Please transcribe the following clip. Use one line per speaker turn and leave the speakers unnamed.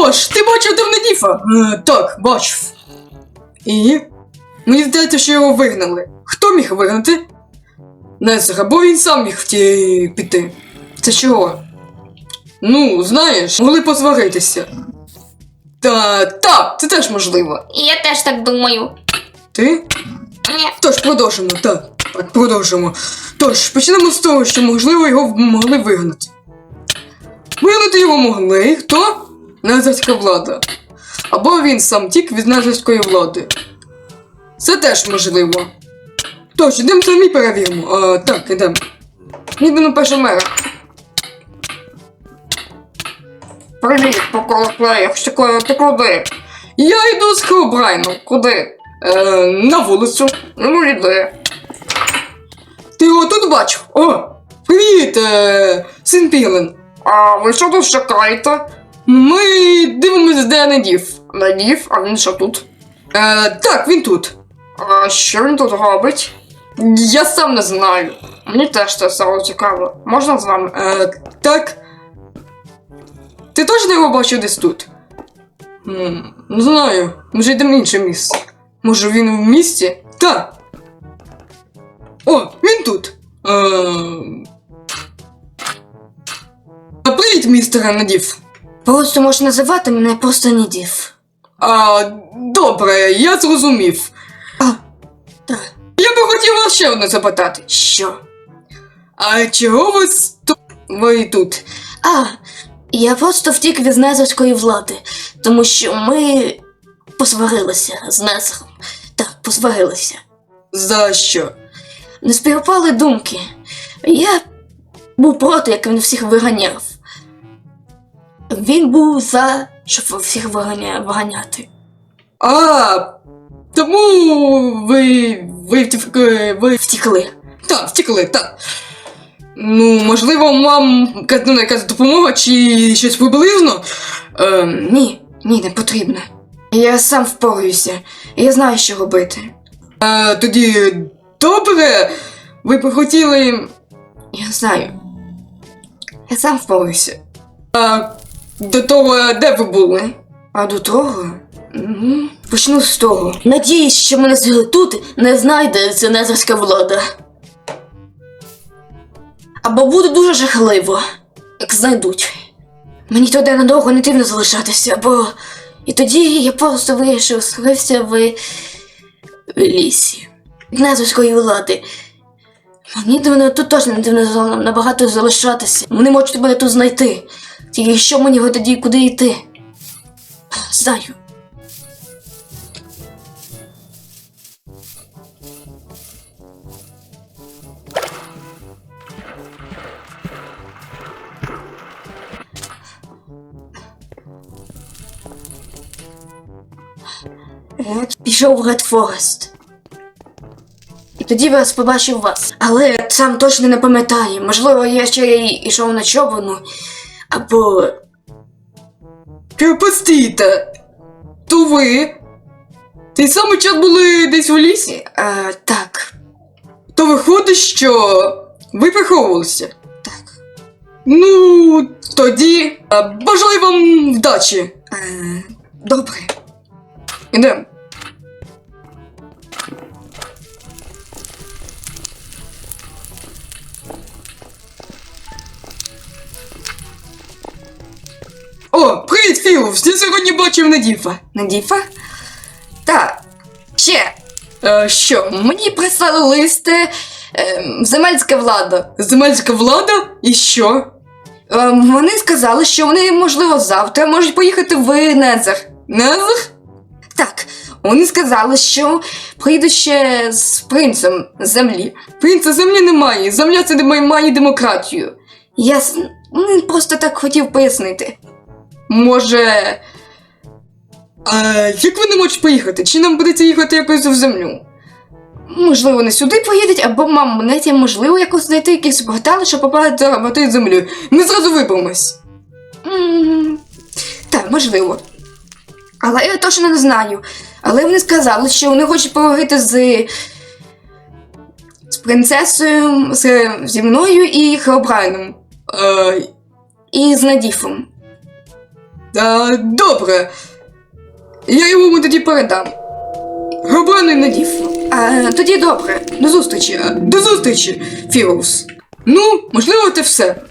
Тож, ти бачив Демнедіфа? Так, бачив. І? Мені здається, що його вигнали. Хто міг вигнати? Незер, або він сам міг піти. Це чого? Ну, знаєш, могли посваритися. Так, це теж можливо.
Я теж так думаю.
Ти? Тож, продовжимо, так, продовжимо. Тож, почнемо з того, що, можливо, його могли вигнати. Вигнати його могли, хто? Незерська влада. Або він сам тік від незерської влади. Це теж можливо. Тож, ідемо самі перевіримо. Так, ідемо. Їдемо першого мера.
Привіт, поколоклеях, ти куди?
Я йду з Херобрайном.
Куди?
На вулицю.
Ну, йди.
Ти його тут бачив? О, привіт, син Пілен.
А ви що тут чекаєте?
Ми дивимося, де Недів.
Надів, а він що тут?
Так, він тут.
А що він тут робить?
Я сам не знаю.
Мені теж це стало цікаво. Можна з вами?
Так. Ти точно його бачив десь тут? Не знаю. Може йдемо в інше місце. Може він в місті? Так. О, він тут. Привіт, містере Недів.
Просто можеш називати мене просто Недів.
Добре, я зрозумів.
Так.
Я би хотів вас ще одне запитати.
Що?
А чого ви тут?
Я просто втік від незерської влади, тому що ми посварилися з Незером. Так, посварилися.
За що?
Не співпали думки. Я був проти, як він всіх виганяв. Він був за, щоб всіх виганяти.
Тому ви
Втікли.
Так, втекли, так. Ну, можливо, вам якась допомога чи щось приблизно?
Ні, не потрібно. Я сам впораюся. Я знаю, що робити.
Тоді добре. Ви б хотіли.
Я знаю. Я сам впораюся.
До того, де ви були?
А до того? Почну з того. Надіюсь, що мене тут не знайде незерська влада. Або буде дуже жахливо, як знайдуть. Мені туди надовго не потрібно залишатися, бо... І тоді я просто вирішив скрився в лісі. Від незерської влади. Мені тут точно не потрібно набагато залишатися. Вони можуть мене тут знайти. Тільки що мені тоді куди йти? Знаю. Пішов в Ред Форест. І тоді я побачив вас. Але сам точно не пам'ятаю. Можливо, я ще й йшов на човну. Або...
Постійте. То ви? Той самий час були десь у лісі?
Так.
То виходить, що ви приховувалися?
Так.
Ну, тоді бажаю вам вдачі.
Добре.
Ідемо. О, привіт, Філ! Я сьогодні бачив Недіфа.
Недіфа? Так. Ще.
Що?
Мені прислали листи земельська влада.
Земельська влада? І що?
Вони сказали, що вони, можливо, завтра можуть поїхати в Незер.
Незер?
Так. Вони сказали, що приїдуть ще з принцем землі.
Принца землі немає. Земля це має демократію.
Я просто так хотів пояснити.
Може... як ви не можете поїхати? Чи нам придеться їхати якось в землю?
Можливо, не сюди поїдуть, або монеті можливо якось знайти якісь портали, щоб попадати в землю.
Ми зразу виберемось.
Так, можливо. Але я точно не знаю. Але вони сказали, що вони хочуть поговорити з принцесою, зі мною і Херобрайном. І з Недіфом.
Добре. Я йому тоді передам. Гробаний надів.
Тоді добре.
До зустрічі, Фіроус. Ну, можливо, це все.